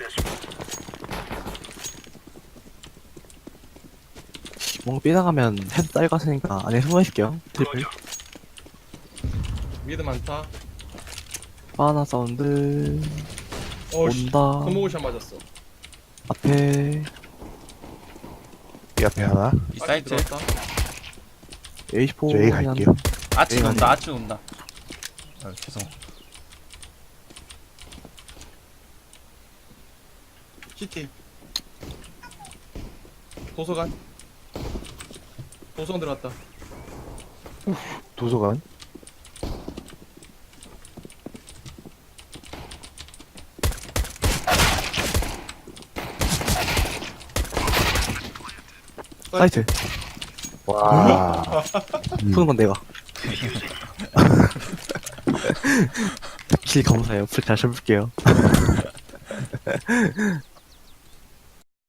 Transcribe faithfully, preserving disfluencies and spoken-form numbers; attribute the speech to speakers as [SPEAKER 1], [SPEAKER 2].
[SPEAKER 1] 뭔가 삐나가면 헤드 딸 같으니까 안에 숨어 있을게요. 트리플.
[SPEAKER 2] 미드 많다.
[SPEAKER 1] 바나 사운드.
[SPEAKER 2] 어씨.
[SPEAKER 1] 온다.
[SPEAKER 2] 스모그샷 맞았어.
[SPEAKER 1] 앞에
[SPEAKER 3] 이 앞에 하나.
[SPEAKER 4] 이
[SPEAKER 2] 아직
[SPEAKER 4] 사이트.
[SPEAKER 2] 들어왔다.
[SPEAKER 1] 에이시포.
[SPEAKER 3] 저 A 갈게요.
[SPEAKER 4] 아치
[SPEAKER 1] A가
[SPEAKER 4] 논다.
[SPEAKER 1] 아니야.
[SPEAKER 4] 아치 논다. 아, 죄송.
[SPEAKER 2] 시티. 도서관. 도서관 들어왔다.
[SPEAKER 3] 도서관.
[SPEAKER 1] 사이트.
[SPEAKER 3] 와.
[SPEAKER 1] 푸는 건 내가. 킬 검사예요. 풀 잘 써볼게요.